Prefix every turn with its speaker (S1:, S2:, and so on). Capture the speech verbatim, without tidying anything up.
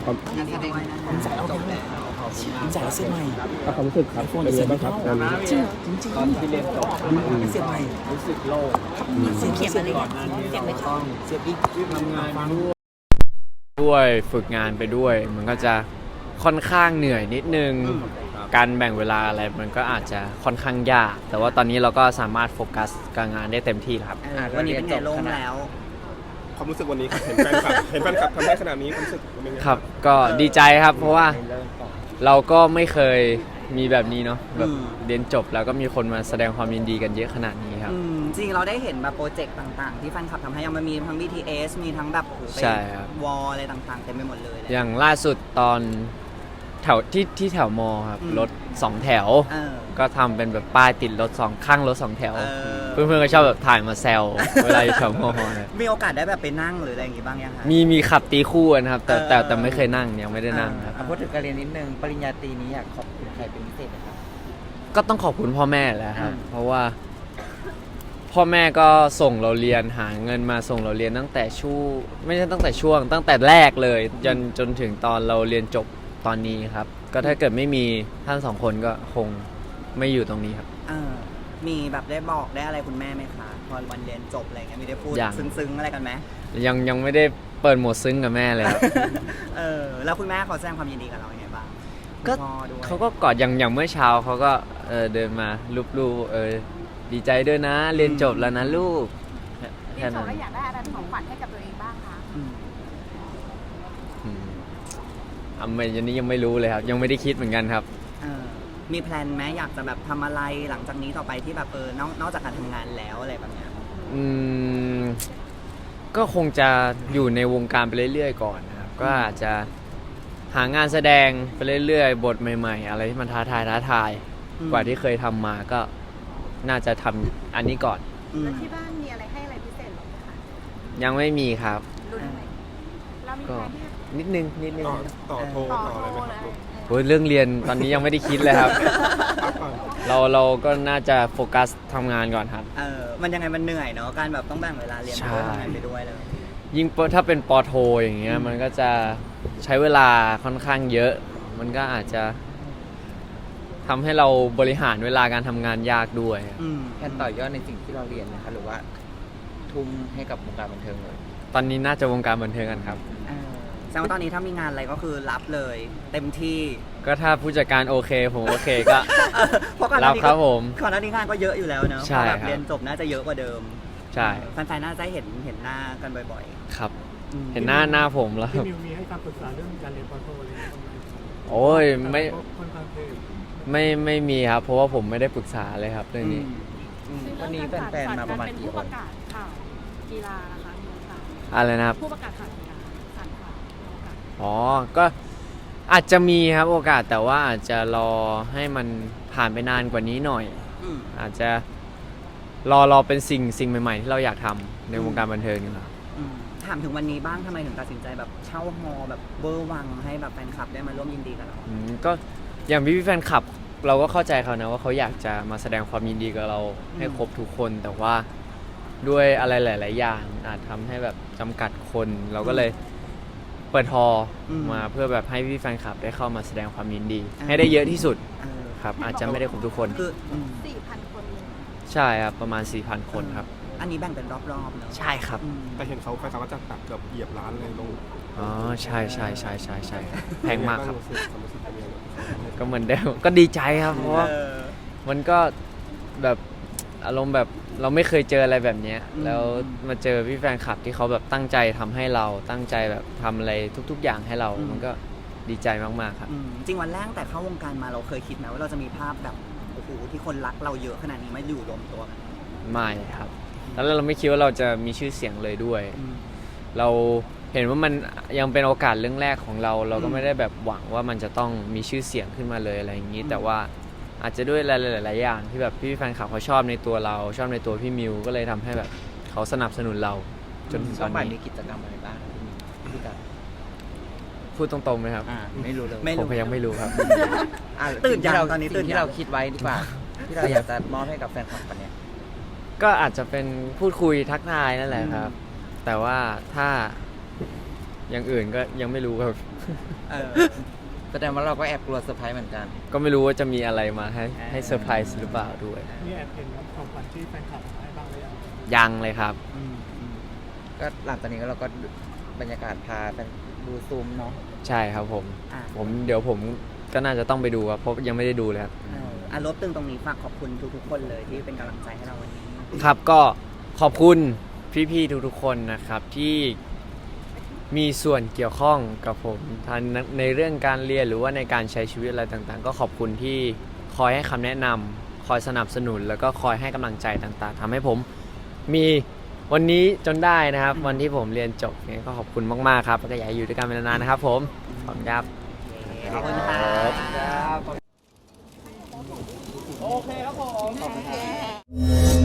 S1: ความ
S2: งานแสดง
S3: ผมจ่ายเอาไปเลยผมจ่ายเสื้อใหม่
S1: ความรู้สึกครับเป็นยังไงบ้างครับตอนนี้
S3: จริงจริงจริงตอนที่เรียนจบเสียใหม่รู้สึกโล่งเสียเขียนอะไรก่อนนั้นเสียไม่ต้องเสียอีกทำงานด้วย
S4: ด้วยฝึกงานไปด้วยมันก็จะค่อนข้างเหนื่อยนิดนึงการแบ่งเวลาอะไรมันก็อาจจะค่อนข้างยากแต่ว่าตอนนี้เราก็สามารถโฟกัสกับงานได้เต็มที่แล้วครับ
S2: วันนี้เป็นไงโล่งแล้ว
S1: ความรู้สึกวันนี้ครับเห็นแฟนคลับเห็นแฟนคลับทำได้ขนาดนี้ความรู้สึกเป็นยังไง
S4: ครับก็ดีใจครับเพราะว่าเราก็ไม่เคยมีแบบนี้เนาะแบบเรียนจบแล้วก็มีคนมาแสดงความยินดีกันเยอะขนาดนี้ครับ
S2: จริงเราได้เห็นแบบโปรเจกต์ต่างๆที่แฟนคลับทำให้ยังมันมีทั้ง บี ที เอส มีทั้งแบบ
S4: ใช่ครับ
S2: วอลอะไรต่างๆเต็มไปหมดเลย
S4: อย่างล่าสุดตอนแถวที่ที่แถวมอครับรถสองแถวก็ทำเป็นแบบป้ายติดรถสองข้างรถสองแถวเพื่อนๆก็ชอบแบบถ่ายมาแซวเวลาอยู่แถวมอเนี่ย
S2: มีโอกาสได้แบบไปนั่งหรืออะไรอย่างงี้บ้างยังคะ
S4: มีมีขับตีคู่นะครับแต่แต่แต่ไม่เคยนั่งยังไม่ได้นั่งครับ
S3: พูดถึงการเรียนนิดนึงปริญญาตรีนี้อยากขอบคุณใครเป็นพิเศษไหมครับ
S4: ก็ต้องขอบคุณพ่อแม่แหละครับเพราะว่าพ่อแม่ก็ส่งเราเรียนหาเงินมาส่งเราเรียนตั้งแต่ช่วงไม่ใช่ตั้งแต่ช่วงตั้งแต่แรกเลยจนจนถึงตอนเราเรียนจบตอนนี้ครับก็ถ้าเกิดไม่มีท่านสองคนก็คงไม่อยู่ตรงนี้ครับ
S2: มีแบบได้บอกได้อะไรคุณแม่ไหมคะพอวันเรียนจบอะไรเงี้ยมีได้พูดซึ้งๆอะไรกันไหม
S4: ยังยังไม่ได้เปิดโหมดซึ้งกับแม่เลยครับ
S2: เออแล้วคุณแม่เขาแสดงความยินดีกับเราอย่างไรบ้าง
S4: ก็เขาก็กอดอย่างอย่างเมื่อเช้าเขาก็เออเดินมาลูบๆเออดีใจด้วยนะเรียนจบแล้วนะลูก
S5: แค่นั้นอยากได้อะไรของขวัญให้กับตัวเองบ้างคะ
S4: อ่ะไม่ยันนี้ยังไม่รู้เลยครับยังไม่ได้คิดเหมือนกันครับ
S2: มีแพลนไหมอยากจะแบบทำอะไรหลังจากนี้ต่อไปที่แบบเออนอกนอกจากการทำงานแล้วอะไรแบบเนี้ย
S4: อืมก็คงจะอยู่ในวงการไปเรื่อยๆก่อนนะครับก็อาจจะหางานแสดงไปเรื่อยๆบทใหม่ๆอะไรที่มันท้าทายท้าทายกว่าที่เคยทำมาก็น่าจะทำอันนี้ก่อน
S5: แล้วที่บ้านมีอะไรให้อะไรพิเศษหรือคะ
S4: ยังไม่มีครับ
S5: ก็
S4: นิดนึงนิดนึง
S1: ต่อโทรต่ออะไรไหมครับ
S4: โอ้ยเรื่องเรียนตอนนี้ยังไม่ได้คิดเลยครับเราเราก็น่าจะโฟกัสทำงานก่อนครับ
S2: เออมันยังไงมันเหนื่อยเนาะการแบบต้องแบ่งเวลาเรียนไปด้วยทำงานไปด้วยเลย
S4: ยิ่งถ้าเป็นปอโทอย่างเงี้ยมันก็จะใช้เวลาค่อนข้างเยอะมันก็อาจจะทำให้เราบริหารเวลาการทำงานยากด้วย
S3: แค่ต่อยอดในสิ่งที่เราเรียนนะคะหรือว่าทุ่มให้กับวงการบันเทิงเลย
S4: ตอนนี้น่าจะวงการบันเทิงกันครับ
S2: แสดงว่าตอนนี้ถ้ามีงานอะไรก็คือรับเลยเต็มที่
S4: ก็ถ้าผู้จัดการโอเคผมโอเคก็รับครับผม
S2: ก่อนหน้านี้งานก็เยอะอยู่แล้วเนอะ
S4: ใช่
S2: ครับเรียนจบน่าจะเยอะกว่าเดิม
S4: ใช่
S2: แฟนๆน่าจะเห็นเห็นหน้ากันบ่อย
S4: ๆครับเห็นหน้าหน้าผมแล้ว
S6: พี่มิวมีให้คำปรึกษาเรื่องการเรียนปอโทอะไรบ้างไหม
S4: โอ้ยไม่ไม่ไม่มีครับเพราะว่าผมไม่ได้ปรึกษาเลยครับเรื่องนี้
S3: วันนี้แฟนๆมาประมาณกี่คน
S5: กีฬานะคะ
S4: อะไรนะครับ
S5: ผู้ประกาศข่าวกีฬาสารข่าว
S4: อ๋อก็อาจจะมีครับโอกาสแต่ว่าอาจจะรอให้มันผ่านไปนานกว่านี้หน่อยอาจจะรอรอเป็นสิ่งสิ่งใหม่ๆที่เราอยากทำในวงการบันเทิงนี่แหละ
S2: ถามถึงวันนี้บ้างทำไมถึงตัดสินใจแบบเช่าฮอลแบบเบอร์วังให้แบบแฟนคลับได้มาร่วมยินดีกับเรา
S4: ก็อย่างพี่แฟนคลับเราก็เข้าใจเขานะว่าเขาอยากจะมาแสดงความยินดีกับเราให้ครบทุกคนแต่ว่าด้วยอะไรหลายๆอย่างอาจทำให้แบบจำกัดคนเราก็เลยเปิดฮอลมาเพื่อแบบให้พี่แฟนคลับได้เข้ามาแสดงความยินดีให้ได้เยอะที่สุดครับอาจจะไม่ได้ครบทุกคน
S5: คือสี่พันคน
S4: ใช่ครับประมาณ สี่พัน คนครับ
S2: อันนี้แบ่งเป็นรอบๆเนาะ
S4: ใช่ครับ
S1: แต่เห็นเขาแฟนคลับว่าจะตัดเกือบเหยียบล้านเลยลง
S4: อ๋อใช่ใช่ใช่ใช่ใช่แพงมากครับก็เหมือนเดิมก็ดีใจครับเพราะว่ามันก็แบบอารมณ์แบบเราไม่เคยเจออะไรแบบนี้แล้วมาเจอพี่แฟนคลับที่เขาแบบตั้งใจทำให้เราตั้งใจแบบทำอะไรทุกๆอย่างให้เรามันก็ดีใจมากๆครับ
S2: จริงวันแรกแต่เข้าวงการมาเราเคยคิดไหมว่าเราจะมีภาพแบบโอ้โหที่คนรักเราเยอะขนาดนี้ไม่อยู่รวมตัวกัน
S4: ไม่ครับแล้วเราไม่คิดว่าเราจะมีชื่อเสียงเลยด้วยเราเห็นว่ามันยังเป็นโอกาสเรื่องแรกของเราเราก็ไม่ได้แบบหวังว่ามันจะต้องมีชื่อเสียงขึ้นมาเลยอะไรอย่างนี้แต่ว่าอาจจะด้วยหลายๆอย่างที่แบบพี่แฟนคลับเขาชอบในตัวเราชอบในตัวพี่มิวก็เลยทำให้แบบเขาสนับสนุนเราจนถึงตอนนี้
S3: มีกิจกรรมอะไรบ้างพี่กัน
S4: พูดตรงๆไหมครับ
S3: ไม่รู้เลย
S4: ผมยังไม่รู้ครับ
S2: ตื่นยังตอนนี้ตื่น
S3: ที่เราคิดไว้ดีกว่าที่เราอยากจะมอบให้กับแฟนคลับวันนี้
S4: ก็อาจจะเป็นพูดคุยทักทายนั่นแหละครับแต่ว่าถ้าอย่างอื่นก็ยังไม่รู้ครับ
S2: เออ
S3: แสดงว่าเราก็แอบกลัวเซอร์ไพรส์เหมือนกัน
S4: ก็ไม่รู้ว่าจะมีอะไรมาให้ให้เซอร์ไพรส์หรือเปล่าด้วย
S6: นี่แอบเห็นของขวัญที่แฟนคลับให้บ้างหรือยัง
S4: ยังเลยครับ
S3: อืมอืมก็หลังจากนี้ก็เราก็บรรยากาศพาไปดูซูมเนาะ
S4: ใช่ครับผม
S2: อ่ะ
S4: ผมเดี๋ยวผมก็น่าจะต้องไปดูครับเพราะยังไม่ได้ดูเลยครับ
S2: เอออ่ะลบตึงตรงนี้ฝากขอบคุณทุกๆคนเลยที่เป็นกำลังใจให้เราวันนี้
S4: ครับก็ขอบคุณพี่ๆทุกๆคนนะครับที่มีส่วนเกี่ยวข้องกับผมทั้งในเรื่องการเรียนหรือว่าในการใช้ชีวิตอะไรต่างๆ ก็ขอบคุณที่คอยให้คำแนะนำคอยสนับสนุน แล้วก็คอยให้กำลังใจต่างๆทำให้ผมมีวันนี้จนได้นะครับ วันที่ผมเรียนจบเนี่ยก็ขอบคุณมากๆครับแล้วก็อยากให้อยู่ด้วยกันเป็นนานๆนะครับ ผมขอบคุณครับ
S2: ขอบคุณครับ
S3: ครับ
S2: โอเคครับผม